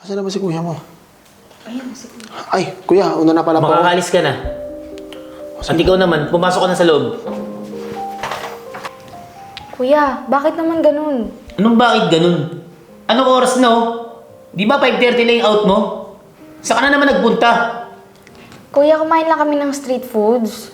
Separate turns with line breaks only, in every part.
Asan na ba si kuya mo?
Ayun, si kuya.
Ay, kuya, una na pala po.
Makakaalis ka na. At ikaw naman, pumasok ka na sa loob.
Kuya, bakit naman ganun?
Anong bakit ganun? Anong oras na oh? Di ba 5:30 lang yung out mo? Saan ka na naman nagpunta?
Kuya, kumain lang kami ng street foods.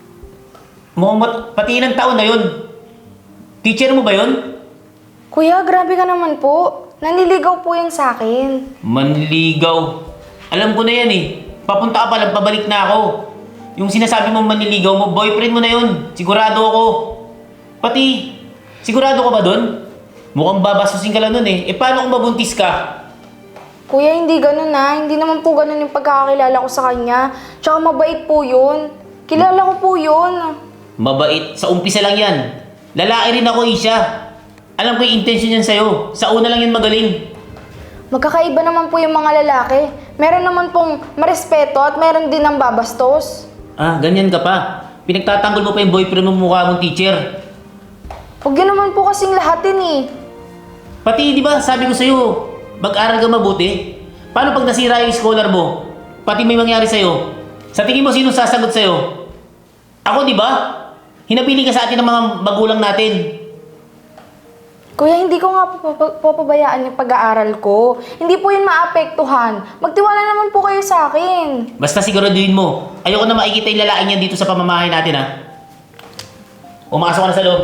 Pati ilang taon na yun. Teacher mo ba yun?
Kuya, grabe ka naman po. Nanliligaw po yan sa akin.
Manliligaw. Alam ko na yan eh. Papunta ka pa lang, pabalik na ako. Yung sinasabi mong manliligaw mo, boyfriend mo na yun. Sigurado ako. Pati, sigurado ka ba dun? Mukhang babasusin ka lang nun eh. Eh paano kung mabuntis ka?
Kuya, hindi ganun na. Hindi naman po ganun yung pagkakakilala ko sa kanya. Tsaka mabait po yun. Kilala ko po yun.
Mabait. Sa umpisa lang yan. Lalaki rin ako, Isha. Alam ko yung intention yan sa'yo. Sa una lang yan magaling.
Magkakaiba naman po yung mga lalaki. Meron naman pong marespeto at meron din ng babastos.
Ah, ganyan ka pa. Pinagtatanggol mo pa yung boyfriend mo mukha mong teacher.
Huwag yun naman po kasing lahatin eh.
Pati, di ba, sabi ko sa'yo, mag-aral ka mabuti. Paano pag nasira yung scholar mo? Pati may mangyari sa'yo. Sa tingin mo, sino sasagot sa'yo? Ako, di ba? Hinabili ka sa atin ng mga magulang natin.
Kuya, hindi ko nga papabayaan yung pag-aaral ko. Hindi po yun maapektuhan. Magtiwala naman po kayo sa akin.
Basta siguraduhin mo. Ayoko na makikita yung lalaki niyan dito sa pamamahay natin, ha? Umakasok ka na sa loob.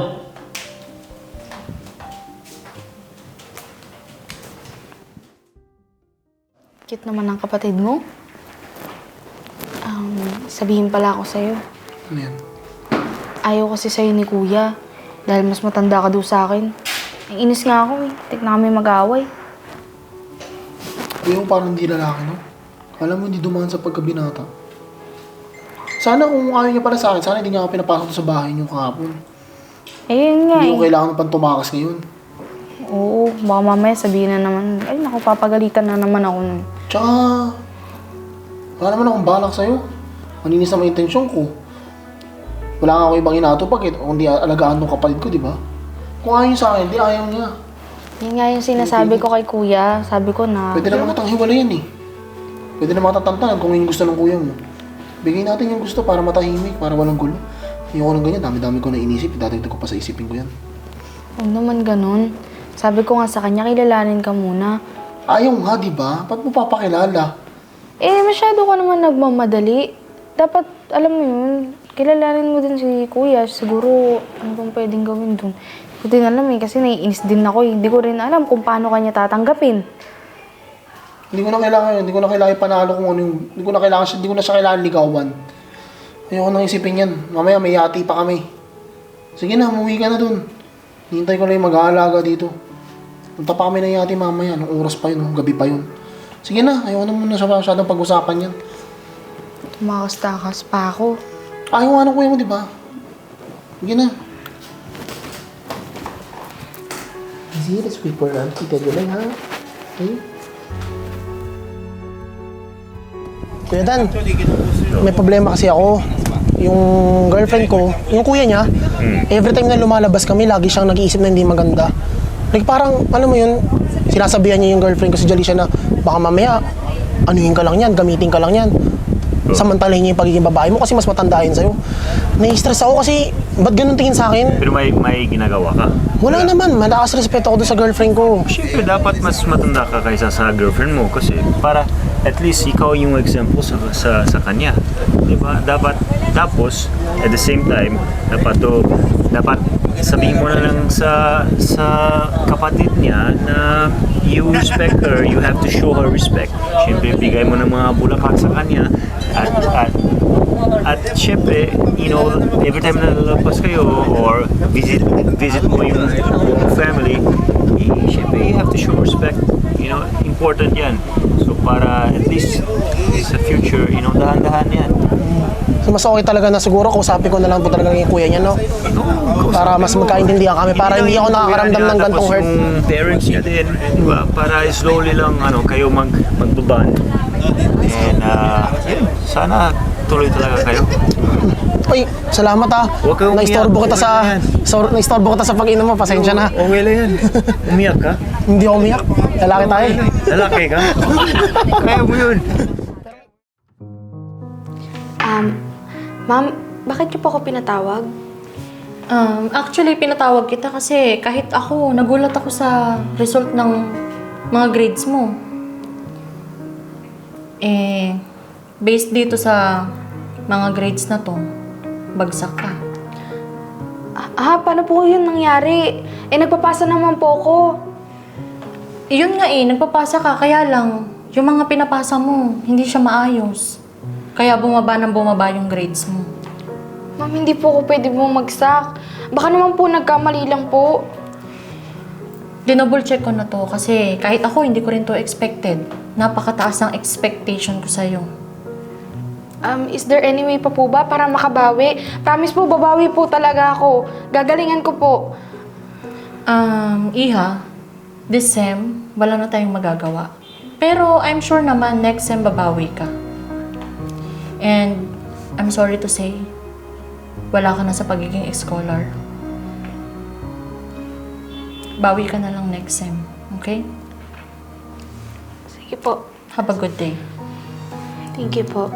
Cute naman ang kapatid mo. Sabihin pala ako sa'yo.
Ano yan?
Ayaw kasi sa'yo ni Kuya. Dahil mas matanda ka daw sa akin. Ang inis nga ako eh. Tik na kami mag-away.
Kuya mo parang hindi lalaki, no? Alam mo, hindi dumaan sa pagkabinata. Sana kung ayaw niya pala sa akin, sana hindi niya ako pinapasok sa bahay niyo kahapon.
Ayun nga
Hindi ko
eh.
kailangan pang tumakas ngayon.
Oo, baka mamaya sabihin na naman, ay naku, papagalitan na naman ako nun.
Tsaka, wala naman akong balak sa'yo. Maninis naman yung intensyon ko. Wala nga ako ibang inatupag eh. Kung di alagaan ng kapatid ko, di ba? Kung ayaw niya sa akin, di ayaw niya.
Yun nga yung sinasabi ko kay Kuya. Sabi ko na,
Pwede naman kitang hiwalayan eh. Pwede naman tatantanan kung yung gusto ng kuya mo. Bigay natin yung gusto para matahimik, para walang gulo. Ayoko ng ganyan, dami-dami ko na inisip. Dadagdag ko pa sa isipin ko yan.
huwag naman ganun. Sabi ko nga sa kanya, kilalanin ka muna.
Ayaw nga, di ba? Ba't mo papakilala?
Eh, masyado ka naman nagmamadali. Dapat, alam mo yun, kilalanin mo din si Kuya. Siguro, ano bang pwedeng gawin dun? Hindi ko din alam eh, kasi naiinis din ako eh. Hindi ko rin alam kung paano kanya tatanggapin.
Hindi ko na kailangan panalo kung ano yung, hindi ko na siya kailangan ligawan. Ayoko nang isipin yan. Mamaya may yati pa kami. Sige na, umuwi ka na dun. Hintay ko lang yung mag-aalaga dito. Punta pa kami ng yati mamaya, anong oras pa yun, gabi pa yun. Sige na, ayoko na muna siya masyadong pag-usapan yan.
Tumakas-takas pa ako.
Ayaw nga ng kuya mo, di ba? Sige na. Easy, let's wait for auntie. Tedyo lang, ha? Okay? Kuya Dan, may problema kasi ako. Yung girlfriend ko, yung kuya niya, every time na lumalabas kami, lagi siyang nag-iisip na hindi maganda. Like parang, alam mo yun, sinasabihan niya yung girlfriend ko si Jalisha na baka mamaya, anuhin ka lang yan, gamitin ka lang yan. Samantalahin niya yung pagiging babae mo kasi mas matanda yun sa'yo. Nai-stress ako kasi, ba't ganun tingin sa akin?
Pero may ginagawa ka.
Wala naman, malakas respeto ako doon sa girlfriend ko.
Siyempre, dapat mas matanda ka kaysa sa girlfriend mo kasi para at least ikaw yung example sa kanya. Diba? Dapat, tapos, at the same time, dapat sabihin mo na lang sa kapatid niya na you respect her, you have to show her respect. Siyempre, bigay mo ng mga bulaklak sa kanya at syempre, you know, every time na lalabas kayo or visit mo yung family, syempre, you have to show respect. You know, important yan. So, para at least sa future, you know, dahan-dahan yan.
So mas okay talaga na siguro kausapin ko na lang po talaga yung kuya niya, no? Para mas magkaintindihan kami, para hindi ako nakakaramdam ng gantong hurt.
Tapos yung parents niya din, di ba? Para slowly lang kayo magbaban. And sana tuloy talaga kayo.
Uy, salamat ah.
Huwag kang
Naistorbo
umiyak.
kita sa pag-inom mo, pasensya na.
Okay lang yan. Umiyak ka?
Hindi ako umiyak. Lalaki tayo.
Lalaki ka. Kaya mo yun.
Ma'am, bakit niyo po ako pinatawag?
Actually, pinatawag kita kasi kahit ako, nagulat ako sa result ng mga grades mo. Based dito sa mga grades na to, bagsak ka.
Paano po yun nangyari? Nagpapasa naman po ako.
Yun nga nagpapasa ka, kaya lang, yung mga pinapasa mo, hindi siya maayos. Kaya bumaba ng bumaba yung grades mo.
Ma'am, hindi po ako pwede bumagsak. Baka naman po nagkamali lang po.
Dinouble check ko na to kasi kahit ako, hindi ko rin to expected. Napakataas ng expectation ko sa'yo.
Is there any way pa po ba para makabawi? Promise po, babawi po talaga ako. Gagalingan ko po.
Iha, this sem, wala na tayong magagawa. Pero I'm sure naman next sem babawi ka. And I'm sorry to say, wala ka na sa pagiging scholar. Bawi ka na lang next sem, okay?
Sige po.
Have a good day.
Thank you po.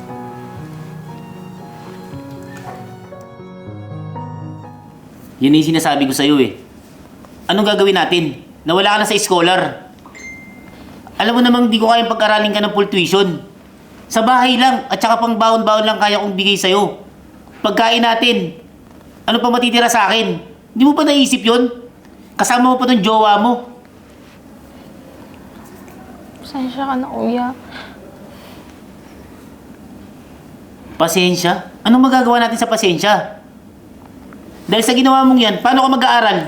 Yun yung sinasabi ko sa'yo eh. Anong gagawin natin? Nawala ka na sa scholar. Alam mo namang di ko kayang pag-aralin ka ng full tuition. Sa bahay lang at saka pang baon-baon lang kaya kong bigay sa'yo. Pagkain natin. Ano pa matitira sa akin? Hindi mo pa naisip yun? Kasama mo pa tong jowa mo.
Pasensya ka na, kuya.
Pasensya? Anong magagawa natin sa pasensya? Dahil sa ginawa mong yan, paano ka mag-aaral?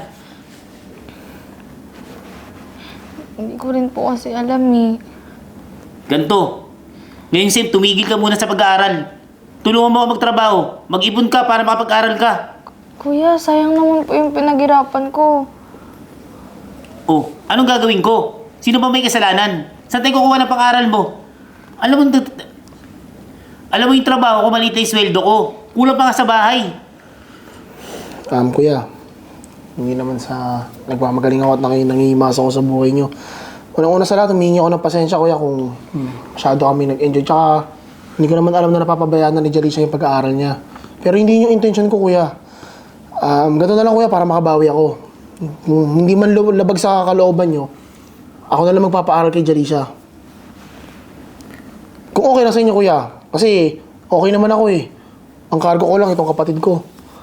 Hindi ko rin po kasi alam eh.
Ganto. Ngayon, Sim, tumigil ka muna sa pag-aaral. Tulungan mo ako magtrabaho. Mag-ipon ka para makapag-aaral ka.
Kuya, sayang naman po yung pinaghirapan ko.
Oh, anong gagawin ko? Sino ba may kasalanan? Saan tayo kukuha ng pang-aaral mo? Alam mo yung trabaho ko, maliit na yung sweldo ko. Kulang pa nga sa bahay.
Kuya, hindi naman sa nagmamagaling ako at nangihimasa ako sa buhay nyo. Unang-una sa lahat, humingi ako ng pasensya, kuya, kung masyado kami nag-enjoy. Tsaka, hindi ko naman alam na napapabayaan na ni Jalisha yung pag-aaral niya. Pero hindi yung intention ko, kuya. Ganito na lang, kuya, para makabawi ako. Kung hindi man labag sa kalooban nyo, ako na lang magpapaaral kay Jalisha. Kung okay na sa inyo, kuya. Kasi, okay naman ako eh. Ang cargo ko lang, itong kapatid ko.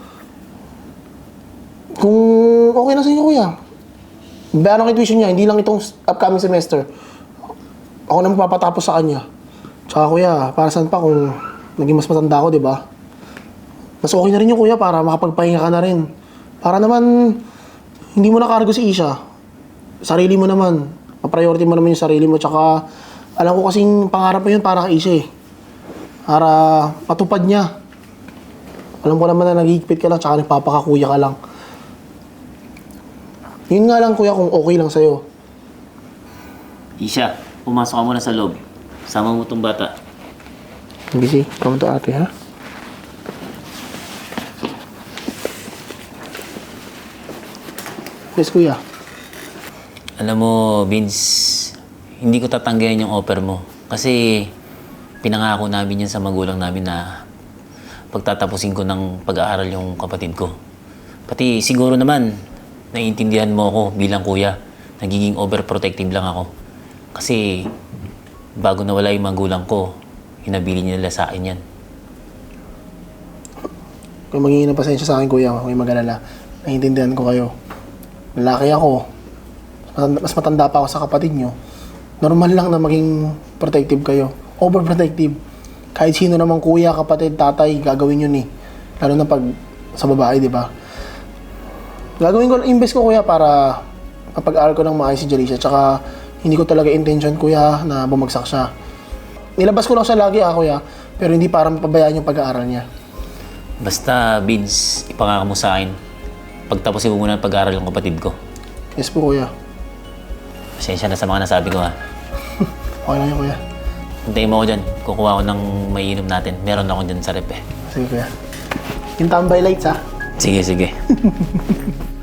Kung okay na sa inyo, kuya. Bayaran ang tuition niya, hindi lang itong upcoming semester. Ako na magpapatapos sa kanya. Tsaka kuya, para saan pa kung naging mas matanda ako, di ba? Mas okay na rin yung kuya para makapagpahinga ka na rin. Para naman, hindi mo nakargo si Isha. Sarili mo naman. Ma-priority mo naman yung sarili mo. Tsaka, alam ko kasing pangarap mo yun para kay Isha eh. Para matupad niya. Alam ko naman na nagigipit ka lang, tsaka nagpapakakuya ka lang. Yun nga lang, kuya, kung okay lang sa'yo.
Isha, pumasok ka muna sa loob. Sama mo tong bata.
Busy. Come to ate, ha? Yes, kuya.
Alam mo, Vince, hindi ko tatanggayan yung offer mo. Kasi pinangako namin yan sa magulang namin na pagtatapusin ko ng pag-aaral yung kapatid ko. Pati siguro naman, naiintindihan mo ako bilang kuya. Nagiging overprotective lang ako. Kasi bago nawala yung magulang ko, hinabili nila sa akin yan.
Kung magiging ng pasensya sa akin, kuya, may mag-alala. Naiintindihan ko kayo. Lalaki ako. Mas matanda pa ako sa kapatid nyo. Normal lang na maging protective kayo. Overprotective. Kahit sino namang kuya, kapatid, tatay, gagawin yun eh. Lalo na pag sa babae, di ba? Gagawin ko, invest ko kuya para mapag-aaral ko ng maayos si Jalisha. Tsaka hindi ko talaga intention kuya na bumagsak siya. Nilabas ko lang siya lagi kuya. Pero hindi para mapabayaan yung pag-aaral niya.
Basta, Vince, ipangako mo sa akin. Pagtapusin ko muna ang pag-aaral ng kapatid ko.
Yes po kuya.
Pasensya na sa mga nasabi ko ha.
Okay lang yun kuya.
Hintayin mo ako dyan. Kukuha ko ng maiinom natin. Meron ako dyan sa rep eh.
Sige kuya. Yung tambay lights ha.
Sige, sige.